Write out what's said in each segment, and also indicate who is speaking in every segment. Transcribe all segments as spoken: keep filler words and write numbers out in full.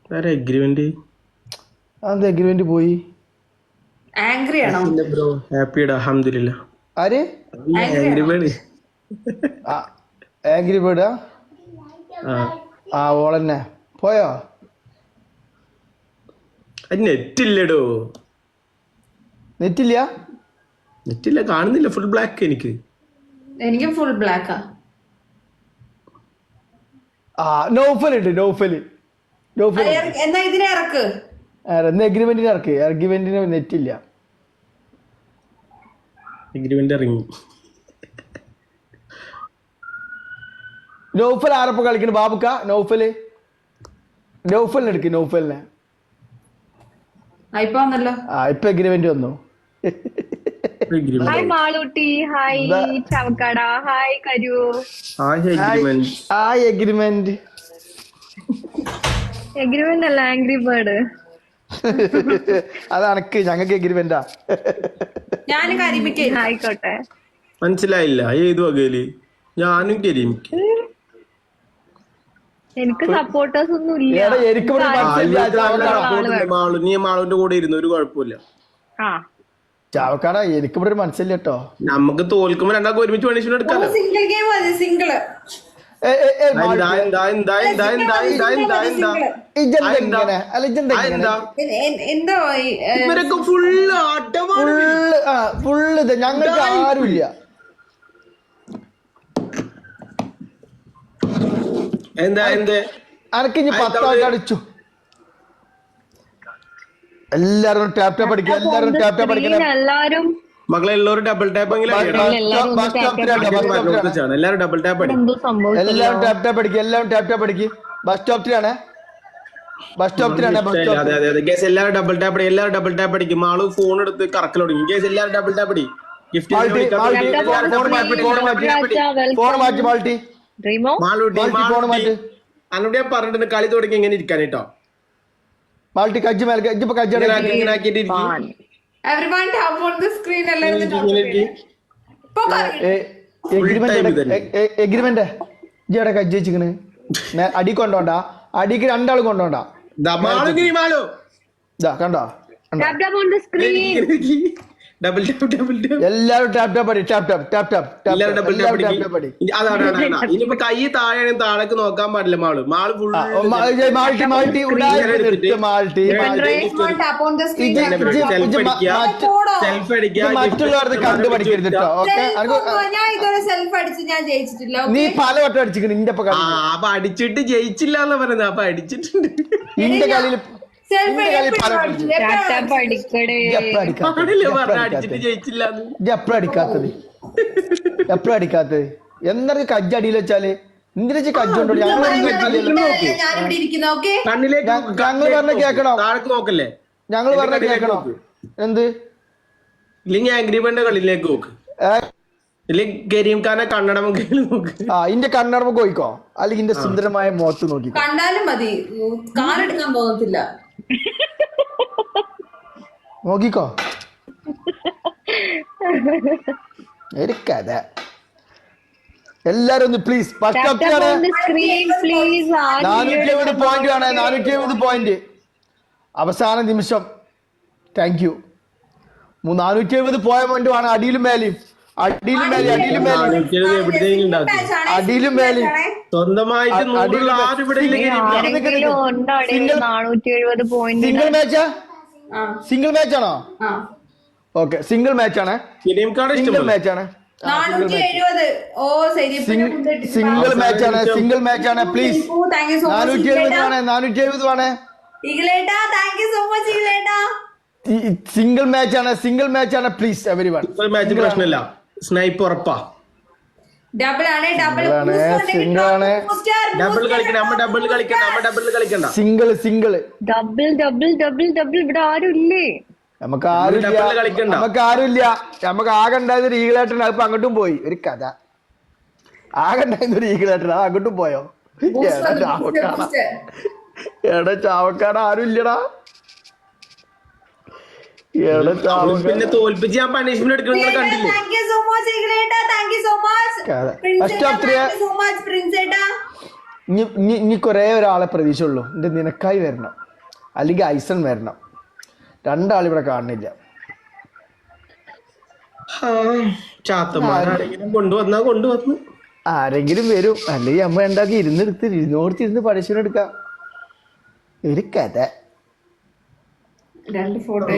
Speaker 1: Agreement
Speaker 2: അത് agreement പോയി.
Speaker 3: Angry ആണോ
Speaker 1: ബ്രോ ഹാപ്പിയുടെ അൽഹംദുലില്ലാ.
Speaker 2: ആര്
Speaker 1: ആംഗ്രി ബേർഡ്
Speaker 2: ആംഗ്രി ബേർഡാ? ആ ഓളന്നെ പോയോ?
Speaker 1: നെറ്റ് ഇല്ലടോ.
Speaker 2: നെറ്റില്ല
Speaker 1: നെറ്റില്ല, കാണുന്നില്ല, ഫുൾ ബ്ലാക്ക് എനിക്ക്.
Speaker 3: എനിക്ക് ഫുൾ ബ്ലാക്കാ.
Speaker 2: ആ നൗഫൽ ഉണ്ട്, നൗഫല് നൗഫൽ
Speaker 3: എന്നാ ഇതിനെ ഇറക്ക്.
Speaker 2: എഗ്രിമെന്റിന് ഇറക്ക്. എഗ്രിമെന്റിന് നെറ്റില്ല.
Speaker 1: എഗ്രിമെന്റ് ഇറങ്ങി.
Speaker 2: നൗഫൽ ആരപ്പോ കളിക്കണ ബാബുക്ക? നൗഫല് നൗഫലിനെ എടുക്ക്. നൗഫലിനെ
Speaker 3: ഇപ്പൊ വന്നല്ലോ.
Speaker 2: ആ ഇപ്പൊ എഗ്രിമെന്റ് വന്നു.
Speaker 4: ഹായ് മാളൂട്ടി, ഹായ് ചവക്കട, ഹായ് കരു.
Speaker 2: ആ എഗ്രിമെന്റ്
Speaker 4: എഗ്രിമെന്റ് അല്ല, ആംഗ്രി ബേർഡ്.
Speaker 2: അത് അനക്ക്, ഞങ്ങൾക്ക് എഗ്രിമെന്റാ.
Speaker 3: ഞാൻ കരിമിക്ക
Speaker 4: ആയിക്കോട്ടെ.
Speaker 1: മനസ്സിലായില്ല ഏത് വകയില്? ഞാനും കരിമിക്ക.
Speaker 4: എനിക്ക് സപ്പോർട്ടേഴ്സ് ഒന്നും ഇല്ല.
Speaker 1: മാളു, നീ മാളുവിന്റെ കൂടെ ഇരുന്നു, ഒരു കുഴപ്പമില്ല.
Speaker 2: ചാവക്കാട എനിക്കിവിടെ ഒരു മനസ്സില്ല കേട്ടോ.
Speaker 1: നമുക്ക് തോൽക്കുമ്പോ രണ്ടാൾക്ക് ഒരുമിച്ച് പണിഷ്മെന്റ് എടുക്കാലോ.
Speaker 3: സിംഗിൾ ഗെയിം മതി, സിംഗിൾ. എന്തോ
Speaker 1: ഇവരൊക്കെ ഫുള്ള് ആട്ടമാണ്.
Speaker 2: ഫുള്ള് ഇത് ഞങ്ങൾക്ക് ആരുമില്ല.
Speaker 1: എന്താ എന്ത്
Speaker 2: അനക്കിഞ്ഞ് പത്താൾക്ക് അടിച്ചു. എല്ലാരും ടാപ് ടാപ്പ് അടിക്കുക. എല്ലാരും ടാപ് ടാപ്പ് അടിക്കണം.
Speaker 4: എല്ലാരും
Speaker 1: മക്കളെ എല്ലാവരും ഡബിൾ ടാപ്പ് എല്ലാവരും ഡബിൾ ടാപ്പ് അടിക്കും.
Speaker 2: എല്ലാവരും ടാപ് ടാപ്പ് അടിക്കുക. എല്ലാവരും ടാപ് ടാപ്പ് അടിക്കുക. ബസ് സ്റ്റോപ്പ് ത്രീയാണ്. ബസ് സ്റ്റോപ്പ് ത്രീയാണ്.
Speaker 1: അതെ അതെ അതെ ഗേസ്, എല്ലാവരും ഡബിൾ ടാപ്പ് അടി. എല്ലാവരും ഡബിൾ ടാപ്പ് അടിക്കും. ആള് ഫോൺ എടുത്ത് കറക്കൽ തുടങ്ങി. ഗേസ് എല്ലാവരും ഡബിൾ ടാപ്പ് അടി. ഗിഫ്റ്റ്
Speaker 2: ഫോൺ മാറ്റി മാൾട്ടി.
Speaker 1: അന്നോട് ഞാൻ പറഞ്ഞിട്ടുണ്ട് കളി തുടങ്ങി എങ്ങനെ ഇരിക്കാൻ കേട്ടോ.
Speaker 2: മാൾട്ടി കജ്ജ് മേലെ ഇപ്പൊ കജ്ജ്
Speaker 3: everyone tap on the screen.
Speaker 2: Agreement ഇജ്ജടെ കജ്ജ് വെച്ചിക്കണ്. അടി കൊണ്ടോണ്ട, അടിക്ക് രണ്ടാളും കൊണ്ടോണ്ട. കണ്ടോ?
Speaker 1: ഡബിൾ ടാപ്പ് ഡബിൾ ടാപ്പ്
Speaker 2: എല്ലാവരും ടാപ് ടാപ്പ് അടി. ടാപ് ടാപ്പ് ടാപ് ടാപ്പ്
Speaker 1: എല്ലാവരും ഡബിൾ ടാപ്പ് അടി. അതാണ് ഇനിയിപ്പോ കൈ താഴെ താഴേക്ക് നോക്കാൻ പാടില്ല. മാള് മാള് ഫുൾ
Speaker 2: മാൾട്ടി മാൾട്ടി മാൾട്ടി
Speaker 1: സെൽഫ് അടിക്കുക.
Speaker 2: മറ്റുള്ളവർക്ക് കണ്ടു പഠിക്കരുത് കേട്ടോ. ഓക്കെ, നീ പല വട്ടം അടിച്ചിരിക്കുന്നു. ഇന്റെ
Speaker 1: ആ അപ്പൊ അടിച്ചിട്ട് ജയിച്ചില്ല എന്ന് പറയുന്നത്. അപ്പൊ അടിച്ചിട്ടുണ്ട്.
Speaker 2: ഇന്റെ കളിയിൽ
Speaker 1: അടിച്ചിട്ട് ജയിച്ചില്ല.
Speaker 2: എപ്പോഴും അടിക്കാത്തത് എപ്പോഴും അടിക്കാത്തത് എന്നൊക്കെ കജ്ജടിയിൽ വെച്ചാല് എന്തിനാ കജ്ജുണ്ടോ? ഞങ്ങൾ ഞങ്ങൾ പറഞ്ഞ കേക്കണോ?
Speaker 1: താഴേക്ക് നോക്കല്ലേ?
Speaker 2: ഞങ്ങൾ പറഞ്ഞ കേക്കണോ? എന്ത്
Speaker 1: ഇല്ലെങ്കിൽ ആംഗ്രിബേർഡിന്റെ കളിയിലേക്ക് നോക്ക്. ഇല്ലെങ്കിൽ കരീം ഖാനെ കണ്ണട നോക്ക്.
Speaker 2: ആ ഇന്റെ കണ്ണട പോയിക്കോ, അല്ലെങ്കിൽ ഇന്റെ സുന്ദരമായ മുഖത്ത് നോക്കി
Speaker 3: കണ്ടാലും മതി. കാലെടുക്കാൻ തോന്നത്തില്ല.
Speaker 2: നോക്കിക്കോ. ഒരു കഥ. എല്ലാരും ഒന്ന് പ്ലീസ്. നാനൂറ്റി എഴുപത് പോയിന്റ് ആണ്. നാനൂറ്റി എഴുപത് പോയിന്റ് അവസാന നിമിഷം. Thank you. നാനൂറ്റി എഴുപത് പോയിന്റ് ആണ്. അടിയിലും മേലെയും അടിയിലും മേലെ അടിയിലും മേലെ അടിയിലും മേലെ
Speaker 1: സ്വന്തമായിട്ട്
Speaker 2: സിംഗിൾ മാച്ചാ? സിംഗിൾ മാച്ച് ആണോ? ഓക്കെ, സിംഗിൾ മാച്ച് ആണ്. സിംഗിൾ മാച്ച് ആണ്. സിംഗിൾ മാച്ച് ആണ്. സിംഗിൾ മാച്ച് ആണ്. പ്ലീസ് നാനൂറ്റി എഴുപത് ആണ്. നാനൂറ്റി എഴുപത് ആണ്. സിംഗിൾ മാച്ച് ആണ്. സിംഗിൾ മാച്ച് ആണ്. Please everyone.
Speaker 1: മാച്ച് പ്രശ്നമില്ല. സ്നൈപ്പ് ഉറപ്പാ.
Speaker 3: ഡബിൾ ആണ്. ഡബിൾ
Speaker 2: സിംഗിൾ ആണ്.
Speaker 1: ഡബിൾ കളിക്കണ്ട. നമ്മ ഡബിൾ കളിക്കണ്ട. നമ്മ ഡബിൾ കളിക്കണ്ട.
Speaker 2: Single single
Speaker 4: double double double double ഇവിടെ ആരും ഇല്ലേ?
Speaker 2: നമുക്ക് ആരുമില്ല. നമുക്ക് ആരുമില്ല. നമുക്ക് ആകെ ഉണ്ടായത് ഒരു ഈഗിളേട്ടൻ. അതിപ്പോ അങ്ങോട്ടും പോയി. ഒരു കഥ. ആകെ ഉണ്ടായിരുന്ന ഒരു ഈഗിളേട്ടൻ അത് അങ്ങോട്ടും പോയോ? എടാ ചാവക്കാട, എടാ ചാവക്കാട ആരും ഇല്ലടാ.
Speaker 1: പിന്നെ തോൽപ്പിച്ച് ഞാൻ പണിഷ്മെന്റ് എടുക്കുന്നത് കണ്ടില്ലേ?
Speaker 2: ഇനി ഇനി ഇനി കുറേ ഒരാളെ പ്രതീക്ഷയുള്ളൂ എൻ്റെ നിനക്കായി വരണം അല്ലെങ്കിൽ ഐസൺ വരണം. രണ്ടാളിവിടെ കാണുന്നില്ല.
Speaker 1: ചാത്തന്മാരാരെങ്കിലും കൊണ്ടുവന്നാ കൊണ്ടുവന്നു.
Speaker 2: ആരെങ്കിലും വരും, അല്ലെങ്കിൽ അമ്മ ഉണ്ടാക്കി ഇരുന്നെടുത്ത് ഇരുന്നോടത്തിരുന്ന് പഠിച്ചെടുക്കാം. ഒരു കഥ.
Speaker 3: രണ്ട് ഫോട്ടോ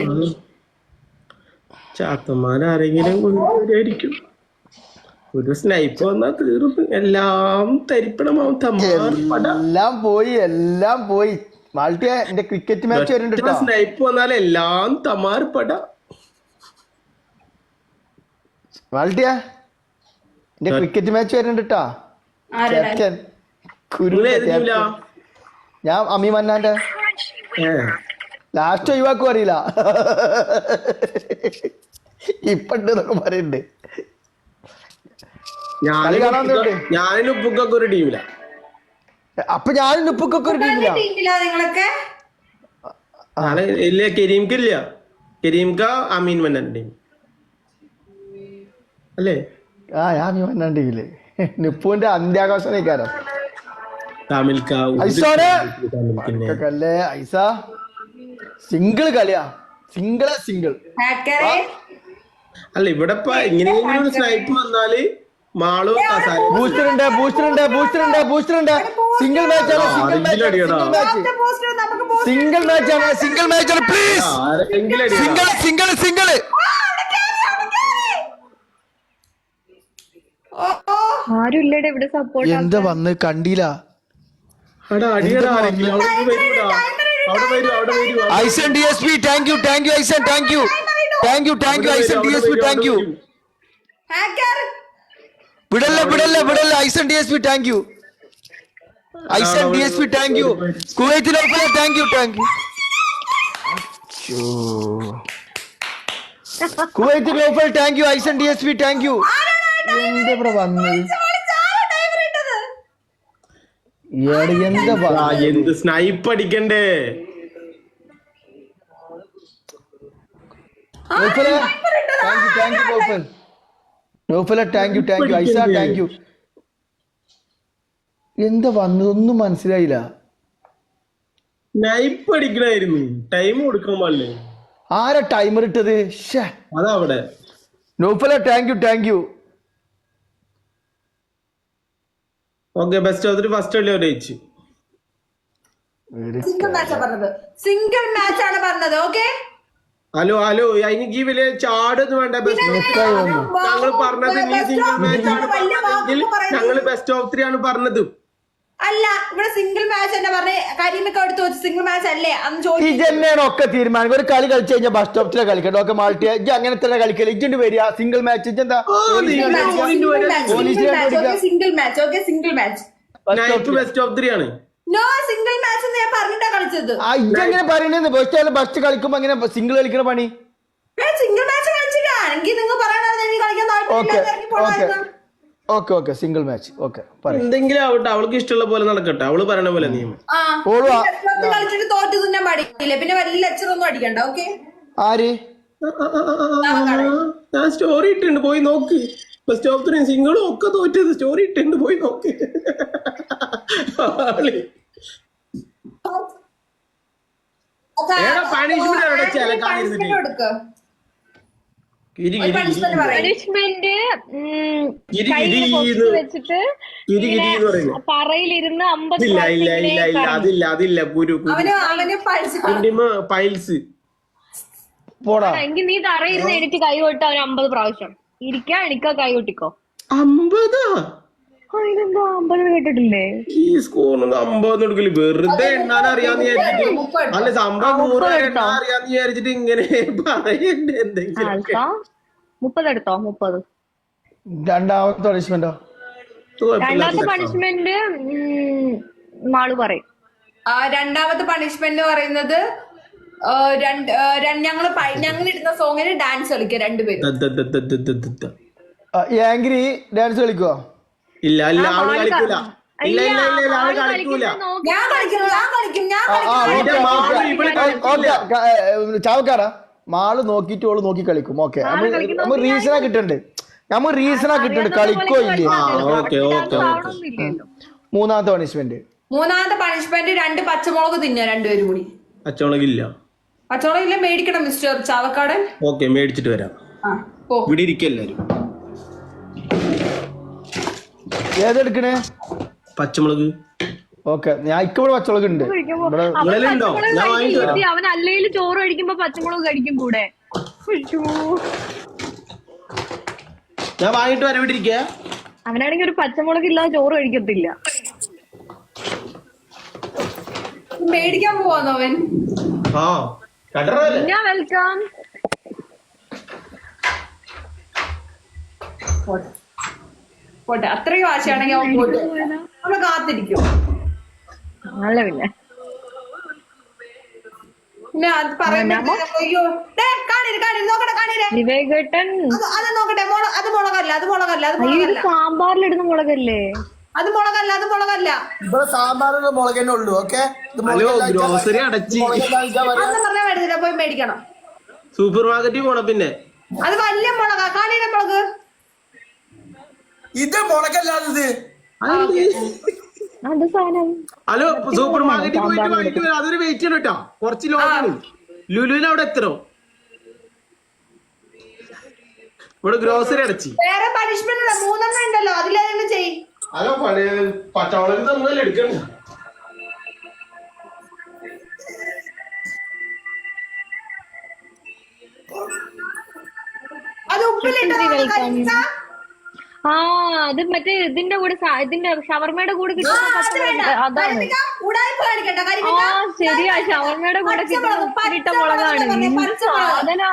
Speaker 1: ചാത്തന്മാരാരെങ്കിലും കൊണ്ടുവരായിരിക്കും. ഒരു സ്നൈപ്പ് വന്നാ തീർന്നു, എല്ലാം തരിപ്പണമാവും.
Speaker 2: എല്ലാം പോയി, എല്ലാം പോയി. മാൾട്ടിയ എന്റെ ക്രിക്കറ്റ് മാച്ച് വരുന്നുണ്ട്.
Speaker 1: സ്നൈപ്പ് വന്നാൽ എല്ലാം തമാർപ്പട.
Speaker 2: മാൾട്ടിയ എന്റെ ക്രിക്കറ്റ് മാച്ച് വരുന്നുണ്ട് കേട്ടാ. ക്യാപ്റ്റൻ ഞാൻ അമി മന്നാന്റെ ലാസ്റ്റ് ഒഴിവാക്കും അറിയില്ല. ഇപ്പണ്ട് എന്നൊക്കെ പറയുന്നുണ്ട്.
Speaker 1: ഞാനും ഉപ്പുക്കൊക്കെ ഒരു ടീമില.
Speaker 2: അപ്പൊ ഞാനും ഉപ്പുക്കൊക്കെ ഒരു ടീമില.
Speaker 1: ഇല്ല, കരീംക്കില്ല. കരീംക്ക അമീൻ മന്നാൻ ടീം അല്ലേ?
Speaker 2: ആ ഞാൻ അമീൻ മന്നാൻ ടീമില്. നിപ്പുവിന്റെ അന്ത്യാഘോഷനേക്കാരം ല്ലേ ഐസ. സിംഗിൾ കളിയാ, സിംഗിള് സിംഗിൾ.
Speaker 1: അല്ല ഇവിടെ ഇങ്ങനെയെങ്കിലും സ്നൈപ്പ് വന്നാല് മാളു
Speaker 2: ബൂസ്റ്റർ ഉണ്ട്, ബൂസ്റ്റർ ഉണ്ട്, ബൂസ്റ്റർ ഉണ്ട്, ബൂസ്റ്റർ ഉണ്ട്. സിംഗിൾ മാച്ച് ആണ്, സിംഗിൾ മാച്ച്, സിംഗിൾ മാച്ച് ആണ്, സിംഗിൾ മാച്ച് ആണ്. Please single single single.
Speaker 4: ആരുമില്ലടെ ഇവിടെ സപ്പോർട്ട്.
Speaker 2: എന്താ വന്ന് കണ്ടില്ല. ഐസൻ D S P thank you, thank you ഐസൻ, thank you, thank you, thank you ഐസൻ D S P, thank you. വിടല്ല വിടല്ല വിടല്ല ഐസൻ D S P thank you, ഐസൻ D S P thank you. കുവൈത്തിലെ thank you, thank you. Kuwait global thank you, ഐസൻ D S P thank you. എന്താ ഇവിടെ വന്നത്? എന്താ
Speaker 1: എന്ത് സ്നൈപ്പ് അടിക്കണ്ടേ?
Speaker 2: എന്താ വന്നതൊന്നും മനസ്സിലായില്ല.
Speaker 1: സ്നൈപ്പ് അടിക്കണായിരുന്നു, ടൈം കൊടുക്കാൻ പാടില്ലേ?
Speaker 2: ആരാ ടൈമർ ഇട്ടത്?
Speaker 1: അതവിടെ
Speaker 2: നോഫല thank you, thank you.
Speaker 1: Okay, best of three first അല്ലേ ജയിച്ചു.
Speaker 3: സിംഗിൾ മാച്ച് പറഞ്ഞത്, സിംഗിൾ മാച്ച് ആണ് പറഞ്ഞത്. ഓക്കെ,
Speaker 1: ഹലോ ഹലോ, എനിക്ക് ഈ വലിയ ചാടൊന്നും വേണ്ട. ഞങ്ങൾ പറഞ്ഞത് നീ സിംഗിൾ മാച്ച് ആണ് പറഞ്ഞതെങ്കിൽ ഞങ്ങൾ ബെസ്റ്റ് ഓഫ് ത്രീ ആണ് പറഞ്ഞത്.
Speaker 3: അല്ല, ഇവിടെ സിംഗിൾ മാച്ച് തന്നെ പറഞ്ഞ കരിമൊക്കെ എടുത്ത് വെച്ച് സിംഗിൾ മാച്ച് അല്ലേ അന്ന്
Speaker 2: ചോദിച്ചു. ഒക്കെ തീരുമാനം ഒരു കളി കളിച്ചു കഴിഞ്ഞാൽ ബസ് സ്റ്റോപ്പിലെ കളിക്കട്ടെ. ഒക്കെ മാൾട്ടിയ അങ്ങനെ തന്നെ കളിക്കല്. ഇജ്ജ് വരിക സിംഗിൾ മാച്ച്. എന്താ
Speaker 3: single match? Okay, single match
Speaker 1: best of three ആണ്.
Speaker 3: നോ, സിംഗിൾ മാച്ച് ഞാൻ പറഞ്ഞിട്ടാ കളിച്ചത്.
Speaker 2: ഇജ്ജെങ്ങനെ പറയണെന്ന്? ബസ് ബസ് കളിക്കുമ്പോ അങ്ങനെ സിംഗിൾ കളിക്കണ പണി.
Speaker 3: സിംഗിൾ മാച്ച് കളിച്ചില്ല. എനിക്ക് നിങ്ങൾ പറയാനായിരുന്നു കളിക്കാൻ താല്പര്യം.
Speaker 2: Okay okay, single match. Okay,
Speaker 1: എന്തെങ്കിലും ആവട്ടെ, അവൾക്ക് ഇഷ്ടമുള്ള പോലെ നടക്കട്ടെ. അവള് പറയണ പോലെ നിയമം.
Speaker 3: കളിച്ചിട്ട് തോറ്റു തിന്നാൻ പാടില്ല. പിന്നെ വലിയ ലെക്ചർ ഒന്നും അടിക്കണ്ട. ഓക്കെ,
Speaker 2: ആര്?
Speaker 1: ഞാൻ സ്റ്റോറി ഇട്ടുണ്ട്, പോയി നോക്ക്. ബെസ്റ്റ് ഓഫ് ത്രീ സിംഗിളും ഒക്കെ തോറ്റത് സ്റ്റോറി ഇട്ടുണ്ട്, പോയി നോക്ക്.
Speaker 4: പണിഷ്മെന്റ് വെച്ചിട്ട് പറയിലിരുന്ന് അമ്പത്.
Speaker 1: ഇല്ല ഇല്ല ഇല്ല ഇല്ല അതില്ല അതില്ല കുരു പൈൽസ്.
Speaker 4: എങ്കിൽ നീ തറയിരുന്ന് എനിക്ക് കൈ കൊട്ടാ ഒരു അമ്പത് പ്രാവശ്യം ഇരിക്കാ. എനിക്ക് കൈ കൊട്ടിക്കോ.
Speaker 1: അമ്പതാ?
Speaker 4: അതിനെന്താ അമ്പത് കേട്ടിട്ടില്ലേ?
Speaker 1: ഈ സ്കൂളിൽ അമ്പത് എടുക്കല് വെറുതെ എണ്ണാൻ അറിയാന്ന് വിചാരിച്ചിട്ട്. അല്ല, സംഭവം നൂറ് എണ്ണാൻ അറിയാന്ന് വിചാരിച്ചിട്ട് ഇങ്ങനെ പറയണ്ടേ എന്തെങ്കിലും.
Speaker 4: മുപ്പത് എടുത്തോ? മുപ്പത്.
Speaker 2: രണ്ടാമത്തെ പണിഷ്മെന്റോ?
Speaker 4: രണ്ടാമത്തെ പണിഷ്മെന്റ് മാള് പറയും.
Speaker 3: രണ്ടാമത്തെ പണിഷ്മെന്റ് പറയുന്നത് ഞങ്ങള് ഞങ്ങൾ ഇടുന്ന സോങ്ങിന് ഡാൻസ് കളിക്കുക രണ്ടുപേരും.
Speaker 2: ആംഗ്രി ഡാൻസ് കളിക്കുവോ?
Speaker 1: ഇല്ല ഇല്ല, അവള് കളിക്കൂല. ഇല്ല ഇല്ല ഇല്ല, അവള് കളിക്കൂല.
Speaker 3: ഞാൻ കളിക്കും, ഞാൻ കളിക്കും, ഞാൻ
Speaker 2: ചാവക്കാടാ മാള് നോക്കിട്ട് ഓള് നോക്കി കളിക്കും. ഓക്കെ, നമ്മൾ റീസണാ കിട്ടണ്ട്, നമ്മൾ റീസണാ കിട്ടണ്ട്. കളിക്കോ ഇല്ലേ? മൂന്നാമത്തെ പണിഷ്മെന്റ്
Speaker 3: മൂന്നാമത്തെ പണിഷ്മെന്റ് രണ്ട് പച്ചമുളക് തിന്നുക രണ്ടുപേരും കൂടി.
Speaker 1: പച്ചമുളകില്ല.
Speaker 3: പച്ചമുളക് ഇല്ല മേടിക്കണം മിസ്റ്റർ ചാവക്കാടൻ.
Speaker 1: ഓക്കെ മേടിച്ചിട്ട് വരാം. ഇവിടെ ഇരിക്കല്ലാരും.
Speaker 2: ഏതെടുക്കണേ?
Speaker 1: പച്ചമുളക്.
Speaker 2: ഓക്കെ ഞാൻ ഇക്കവിടെ പച്ചമുളക് ഉണ്ട്.
Speaker 4: അവൻ അല്ലെങ്കിൽ ചോറ് കഴിക്കുമ്പോ പച്ചമുളക് കഴിക്കും കൂടെ.
Speaker 1: ഞാൻ വാങ്ങിട്ട് വരാൻ ഇവിടെ ഇരിക്ക.
Speaker 4: അവനാണെങ്കിൽ ഒരു പച്ചമുളക് ഇല്ലാതെ ചോറ് കഴിക്കത്തില്ല.
Speaker 3: മേടിക്കാൻ പോവാന്നോ അവൻ?
Speaker 1: ആ
Speaker 4: ഞാൻ വെൽക്കം.
Speaker 3: പോട്ടെ അത്രയും ആശയാണെങ്കിൽ അവൻ പോട്ടെ. നമ്മള് കാത്തിരിക്കും.
Speaker 4: അല്ല പിന്നെ
Speaker 3: പിന്നെ അത് പറയുമ്പോ അയ്യോ കാണിര് കാണിര് നോക്കട്ടെ കാണിര്
Speaker 4: വിവേകേട്ടൻ
Speaker 3: അത് നോക്കട്ടെ. മുള അത് മുളകല്ല അത് മുളകല്ല അത് മുളകല്ല.
Speaker 4: സാമ്പാറിലിടുന്ന മുളകല്ലേ
Speaker 3: അത് മുളകല്ല അത് മുളകല്ല.
Speaker 2: ഇവിടെ സാമ്പാറിന്റെ മുളക് തന്നെ ഉള്ളൂ. ഓക്കെ
Speaker 1: ഗ്രോസറി അടച്ച്
Speaker 3: അതൊന്നും പറഞ്ഞാൽ വരുന്നില്ല. പോയി മേടിക്കണം.
Speaker 1: സൂപ്പർ മാർക്കറ്റിൽ പോണം. പിന്നെ
Speaker 3: അത് വലിയ മുളകാ. കാണിര മുളക്.
Speaker 2: ഇത് മുളകല്ലാതെ
Speaker 4: അത് സാധനം.
Speaker 1: ഹലോ സൂപ്പർ മാർക്കറ്റിൽ പോയിട്ട് വാങ്ങിട്ട് വരാം. അതൊരു വെയിറ്റ് ചെയ്യണം കേട്ടോ. കുറച്ച് ലോങ്ങാണ്. ലുലുവിന് അവിടെ എത്തണോ? ഇവിടെ ഗ്രോസറി അടച്ച്.
Speaker 3: വേറെ പണിഷ്മെന്റ് മൂന്നെണ്ണം ഉണ്ടല്ലോ. അതിലേതെങ്കിലും ചെയ്യും.
Speaker 1: ഹലോ പച്ചമുളക് തന്നല്ലേ എടുക്കണ്ട.
Speaker 3: അത് ഉപ്പിലിട്ട്
Speaker 4: ആ അത് മറ്റേ ഇതിന്റെ കൂടെ ഇതിന്റെ ഷവർമയുടെ കൂടെ കിട്ടുന്ന അതാണ്. ആ ശരിയാ ഷവർമയുടെ കൂടെ കിട്ടുന്ന ഉപ്പിലിട്ട മുളകാണ് സാധന.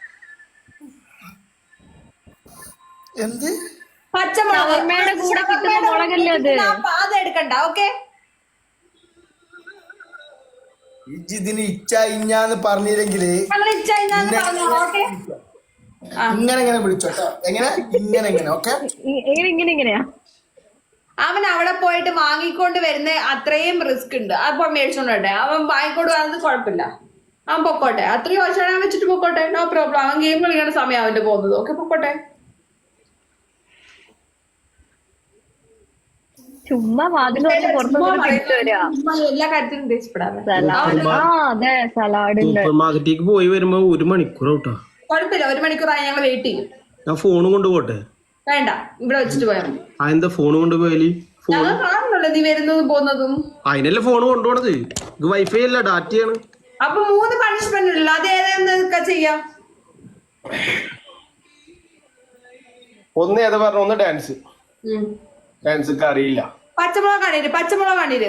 Speaker 2: എന്ത്
Speaker 4: ഷവർമയുടെ കൂടെ കിട്ടുന്ന മുളകല്ലേ അത്?
Speaker 3: അതെടുക്കണ്ട. ഓക്കെ
Speaker 2: ഇതിന് ഇച്ച ഇഞ്ഞാന്ന് പറഞ്ഞില്ലെങ്കില് ഇങ്ങനെ ഇങ്ങനെ വിളിച്ചോട്ടോ. എങ്ങനെ ഇങ്ങനെ ഇങ്ങനെ. ഓക്കെ
Speaker 4: ഇങ്ങനെ ഇങ്ങനെയാ.
Speaker 3: അവൻ അവിടെ പോയിട്ട് വാങ്ങിക്കൊണ്ട് വരുന്ന അത്രയും റിസ്ക് ഉണ്ട്. അപ്പൊ മേടിച്ചോണ്ടോട്ടെ. അവൻ വാങ്ങിക്കൊണ്ട് വരുന്നത് കുഴപ്പമില്ല. അവൻ പൊക്കോട്ടെ. അത്രയും വർഷം വെച്ചിട്ട് പൊക്കോട്ടെ. No problem. അവൻ ഗെയിം കളിക്കേണ്ട സമയം അവന്റെ പോകുന്നത്. ഓക്കെ പൊക്കോട്ടെ.
Speaker 4: ചുമ്മാ വാതിൽ
Speaker 3: എല്ലാ കാര്യത്തിലും ഉദ്ദേശിപ്പെടാതെ
Speaker 4: അതെ സലാഡ്
Speaker 1: സൂപ്പർ മാർക്കറ്റിലേക്ക് പോയി വരുമ്പോ ഒരു മണിക്കൂർ കേട്ടോ.
Speaker 3: കുഴപ്പമില്ല. ഒരു മണിക്കൂറായി ഞങ്ങൾ വെയിറ്റ് ചെയ്യും.
Speaker 1: ഞാൻ ഫോൺ കൊണ്ടുപോട്ടെ.
Speaker 3: വേണ്ട ഇവിടെ വെച്ചിട്ട് പോയാൽ മതി.
Speaker 1: ആ എന്താ ഫോൺ കൊണ്ടുപോയാല്?
Speaker 3: ഞങ്ങൾ കാണുന്നുള്ളൂ നീ വരുന്നതും പോകുന്നതും.
Speaker 1: അതിനല്ലേ ഫോൺ കൊണ്ടുപോണത്. ഇത് വൈഫൈ അല്ല ഡാറ്റയാണ്.
Speaker 3: അപ്പൊ മൂന്ന് പണിഷ്മെന്റ് ഉള്ളു. അത് ഏതാ ചെയ്യാം?
Speaker 1: ഒന്ന് ഏതാ പറഞ്ഞ? ഒന്ന് ഡാൻസ്. ഡാൻസ് അറിയില്ല.
Speaker 3: പച്ചമുളക് കാണിര് പച്ചമുളക് കാണിര്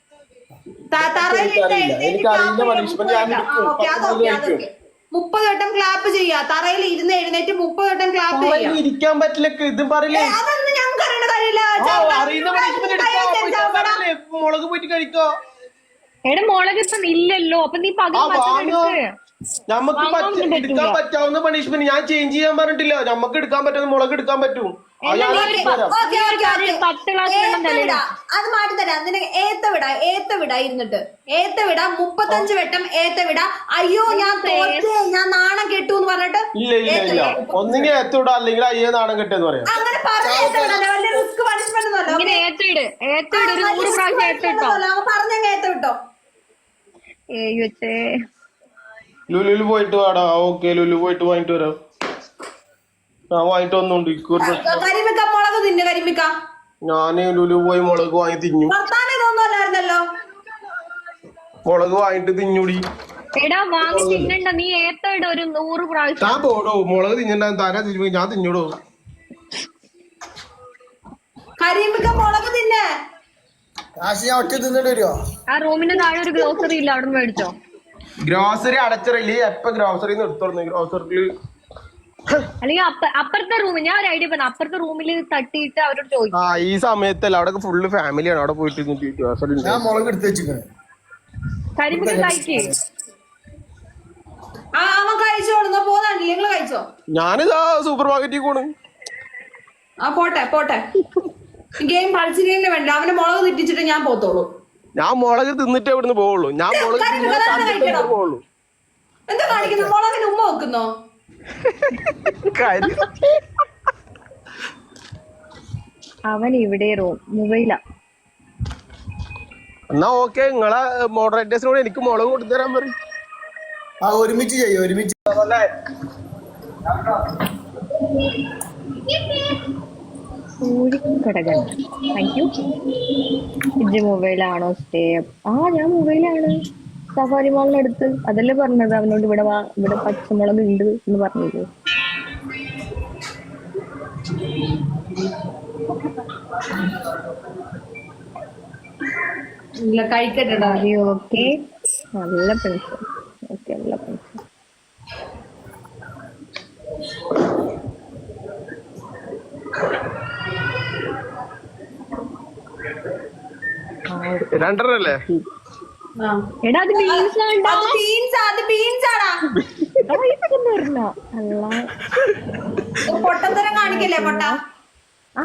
Speaker 3: മുപ്പത് വട്ടം ക്ലാപ്പ് ചെയ്യാ. തറയിൽ ഇരുന്ന് എഴുന്നേറ്റ് മുപ്പത് വട്ടം ക്ലാപ്പ് ചെയ്യാം.
Speaker 1: ഇരിക്കാൻ പറ്റില്ല. ഇതും പറയില്ലേ?
Speaker 3: അതൊന്നും ഞങ്ങൾക്ക് അറിയേണ്ട കാര്യമില്ല.
Speaker 1: മുളക് പോയിട്ട് കഴിക്കോ?
Speaker 4: എടാ മുളക് ഇപ്പം ഇല്ലല്ലോ. അപ്പൊ നീ പകരം
Speaker 1: നമുക്ക് എടുക്കാൻ പറ്റാവുന്ന പണിഷ്മെന്റ് ഞാൻ ചേഞ്ച് ചെയ്യാൻ പറഞ്ഞിട്ടില്ല. നമുക്ക് എടുക്കാൻ പറ്റുന്ന മുളക് എടുക്കാൻ പറ്റും.
Speaker 3: അത് മാറ്റി തരാം. നിനക്ക് ഏത്ത വിട ഏത്ത വിട ഇരുന്നിട്ട് ഏത്ത വിട മുപ്പത്തഞ്ച് വട്ടം ഏത്ത വിട. അയ്യോ ഞാൻ തോറ്റേ ഞാൻ നാണം കെട്ടു എന്ന് പറഞ്ഞിട്ട്
Speaker 1: ഇല്ല ഇല്ല ഇല്ല ഒന്നിങ്ങനെ ഏത്ത വിടാ അല്ലെങ്കിൽ അയ്യോ നാണം കെട്ടെന്ന് പറയാം.
Speaker 3: അങ്ങനെ പറഞ്ഞ റിസ്ക് പണിഷ്മെന്റ് പറഞ്ഞ ഏത്ത വിട്ടോ.
Speaker 1: ലുലുവിൽ പോയിട്ട് വാടാ. ഓക്കെ ലുലു പോയിട്ട് വാങ്ങിട്ട് വരാം. ഞാൻ വാങ്ങിട്ട് വന്നോണ്ട്
Speaker 3: കരിമിക്ക മുളക് തിന്നു. കരിമിക്ക
Speaker 1: ഞാന് ലുലു പോയി മുളക് വാങ്ങി തിന്നു.
Speaker 3: വർത്താനൊന്നുമല്ലായിരുന്നല്ലോ.
Speaker 1: മുളക് വാങ്ങിട്ട് തിന്നൂടി.
Speaker 4: നീ ഏത്തയുടെ ഒരു നൂറ് പ്രാവശ്യം
Speaker 1: ഞാൻ പോടോ. മുളക് തിന്നണ്ട താരാ തിന്നു. ഞാൻ തിന്നൂടോ.
Speaker 3: കരിമിക്ക മുളക് തിന്നേ.
Speaker 2: ഒറ്റ തിന്നിട്ട് വരുമോ?
Speaker 4: ആ റൂമിന്റെ താഴെ ഒരു ഗ്രോസറി ഇല്ല. അവിടെ മേടിച്ചോ.
Speaker 1: ഗ്രോസറി അടച്ചിറല്ലേ? എപ്പ ഗ്രോസറി എടുത്തോളൂ. ഗ്രോസറിയില്
Speaker 4: അല്ലെങ്കിൽ അപ്പുറത്തെ റൂമിൽ ഞാൻ ഒരു ഐഡിയ പറഞ്ഞു. അപ്പുറത്തെ റൂമിൽ തട്ടിയിട്ട് അവരോട് ചോദിക്കും.
Speaker 1: ആ ഈ സമയത്തല്ല. അവിടെ ഫുള്ള് ഫാമിലിയാണ്. അവിടെ പോയിട്ട്
Speaker 2: ഞാൻ മുളക് എടുത്ത് വെച്ചിരിക്കണേ.
Speaker 4: കരിമിക്ക കഴിക്കേ.
Speaker 3: ആ അവൻ കഴിച്ചോളുന്ന പോകാനില്ല. നിങ്ങള് കഴിച്ചോ?
Speaker 1: ഞാനിതാ സൂപ്പർ മാർക്കറ്റിൽ പോണ്.
Speaker 3: ആ പോട്ടെ പോട്ടെ. ഗെയിം കളിച്ചില്ലേ വേണ്ട. അവന്റെ മുളക് തെറ്റിച്ചിട്ട് ഞാൻ പോത്തോളൂ.
Speaker 1: ഞാൻ മുളക് തിന്നിട്ട് ഇവിടുന്ന് പോവുള്ളൂ. ഞാൻ മുളക് പോവുള്ളൂ.
Speaker 3: എന്താ കാണിക്കുന്നു? മുളകിന് ഉമ്മ വെക്കുന്നോ?
Speaker 4: അവൻ ഇവിടെ റൂം മൊബൈലാ.
Speaker 1: എന്നാ ഓക്കെ, നിങ്ങളെ മോഡറേറ്റേഴ്സിനോട് എനിക്ക് മുളക് കൊടുത്തരാൻ പറയും.
Speaker 2: ആ ഒരുമിച്ച് ചെയ്യും, ഒരുമിച്ച്.
Speaker 4: ഘടകൻ താങ്ക് യു. ഇജ്ജ് മൊബൈലാണോ സ്റ്റേ? ആ ഞാൻ മൊബൈലാണ്. സഫാരി മാളിനടുത്ത്. അതല്ലേ പറഞ്ഞത് അവനോട് ഇവിടെ വാ, ഇവിടെ പച്ചമുളക് ഉണ്ട് എന്ന് പറഞ്ഞില്ലേ?
Speaker 3: ഇല്ല കഴിക്കട്ടെ.
Speaker 4: ഓക്കെ നല്ല പെൻഷൻ. ഓക്കെ നല്ല പെൻഷൻ.
Speaker 1: രണ്ടരല്ലേ?
Speaker 4: എടാ അത് ബീൻസ് ആണ്ടാ.
Speaker 3: അത് ബീൻസ് അത് ബീൻസ് ആടാ.
Speaker 4: പറഞ്ഞ അല്ല
Speaker 3: പൊട്ടത്തരം കാണിക്കല്ലേ പൊട്ട.
Speaker 4: ആ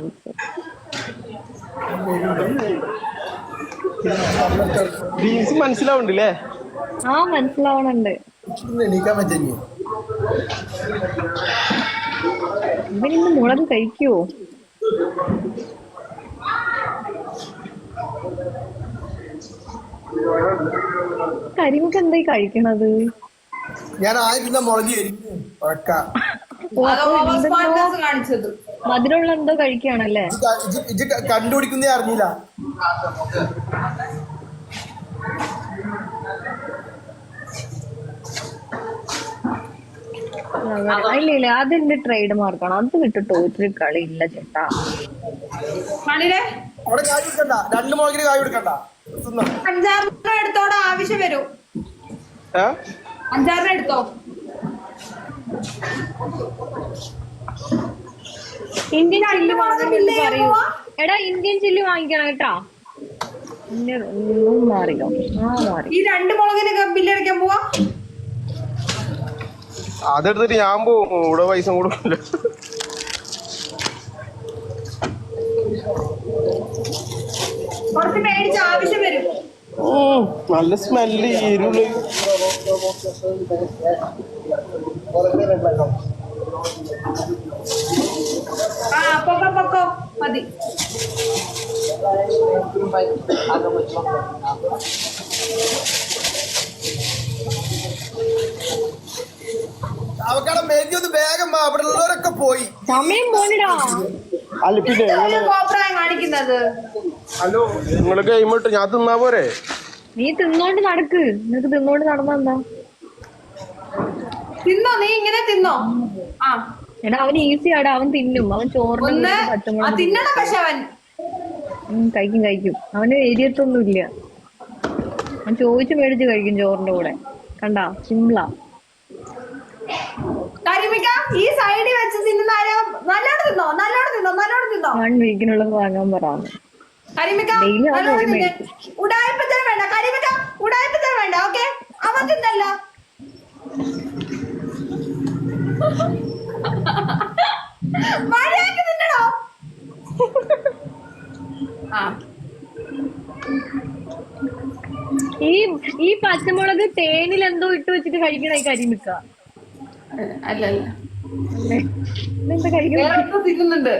Speaker 1: ബീൻസ് മനസ്സിലാവുണ്ടല്ലേ?
Speaker 4: ആ മനസ്സിലാവണുണ്ട്.
Speaker 2: എണീക്കാൻ പറ്റില്ല.
Speaker 4: ഇവനിന്ന് മുളക് കഴിക്കുവോ? കരിമൊക്കെ എന്തായി കഴിക്കണത്?
Speaker 2: ഞാൻ ആയിരുന്ന മുളക്
Speaker 4: മധുരമുള്ള എന്തോ കഴിക്കുകയാണല്ലേ?
Speaker 2: ഇത് കണ്ടുപിടിക്കുന്നേ അറിഞ്ഞില്ല.
Speaker 4: ഇല്ല ഇല്ല അതെന്റെ ട്രേഡ് മാർക്കാണ്. അത് വിട്ടിട്ട് ഒരു കളി ഇല്ല ചേട്ടാ.
Speaker 2: അവിടെ കായ് കൊടുക്കണ്ട, രണ്ട് മുളകിന് കായ് കൊടുക്കണ്ട.
Speaker 3: അഞ്ചാറിന് എടുത്തോടെ ആവശ്യം വരും. അഞ്ചാറിന് എടുത്തോ.
Speaker 4: ഇന്ത്യൻ ചില്ലി വാങ്ങുന്നില്ല പറയൂ. എടാ ഇന്ത്യൻ ചില്ലി വാങ്ങിക്കണം കേട്ടാ. മാറിയോ? ആ മാറി.
Speaker 3: ഈ രണ്ട് മുളകിന് ബില്ലടിക്കാൻ പോവാ.
Speaker 1: അതെടുത്തിട്ട് ഞാൻ പോവും, ഇവിടെ പൈസ കൊടുക്കില്ല.
Speaker 3: കുറച്ച് മേടിച്ച ആവശ്യം വരും.
Speaker 1: നല്ല സ്മെല്ല് എരുള്.
Speaker 3: ആ പൊക്കോ പൊക്കോ മതി.
Speaker 2: അവക്കാടെ മേജി ഒന്ന് വേഗം അവിടെ ഉള്ളവരൊക്കെ പോയി.
Speaker 4: സമയം പോണിടാ.
Speaker 1: അല്ല പിന്നെ
Speaker 3: കോപ്രായം കാണിക്കുന്നത്.
Speaker 1: ഹലോ നിങ്ങള് ഗെയിം ഇട്ട് ഞാൻ തിന്നാ പോരെ?
Speaker 4: നീ തിന്നോണ്ട് നടക്ക്. നിനക്ക് തിന്നോണ്ട് നടന്നെന്താ?
Speaker 3: തിന്നോ, നീ ഇങ്ങനെ തിന്നോ. ആ
Speaker 4: എടാ അവന് ഈസി ആടാ, അവൻ തിന്നും. അവൻ ചോറിന്
Speaker 3: തിന്നണം. പക്ഷെ അവൻ
Speaker 4: കഴിക്കും കഴിക്കും. അവന് എരിയത്തൊന്നും ഇല്ല. അവൻ ചോദിച്ചു മേടിച്ച് കഴിക്കും ചോറിന്റെ കൂടെ. കണ്ടാ സിംപ്ലാ.
Speaker 3: ഈ സൈഡിൽ വെച്ച് തിന്നുന്നാരോ നല്ലോണം തിന്നോ, നല്ലോണം തിന്നോ, നല്ലോണം തിന്നോ.
Speaker 4: വൺ വീക്കിനുള്ളത് വാങ്ങാൻ പറയാം.
Speaker 3: ഉടായ്പത്തരം വേണ്ട കരിമിക്ക, ഉടായ്പത്തരം വേണ്ട. ഓക്കെ അവൻ തിന്നല്ല. മഴയൊക്കെ തിന്നണോ? ആ
Speaker 4: ഈ ഈ പച്ചമുളക് തേനിൽ എന്തോ ഇട്ട് വെച്ചിട്ട് കഴിക്കണ ഈ കരിമിക്ക
Speaker 3: അല്ല അല്ല
Speaker 4: എന്താ കഴിക്കണം
Speaker 3: തിന്നുന്നുണ്ട്.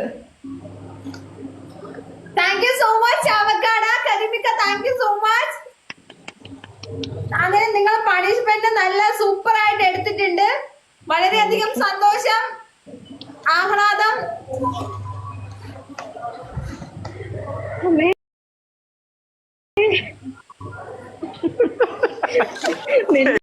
Speaker 3: താങ്ക് യു സോ മച്ച് അവക്കാട കരിമിക്ക, താങ്ക് യു സോ മച്ച്. അങ്ങനെ നിങ്ങൾ പണിഷ്മെന്റ് നല്ല സൂപ്പർ ആയിട്ട് എടുത്തിട്ടുണ്ട്. വളരെയധികം സന്തോഷം, ആഹ്ലാദം.
Speaker 4: നെഞ്ച്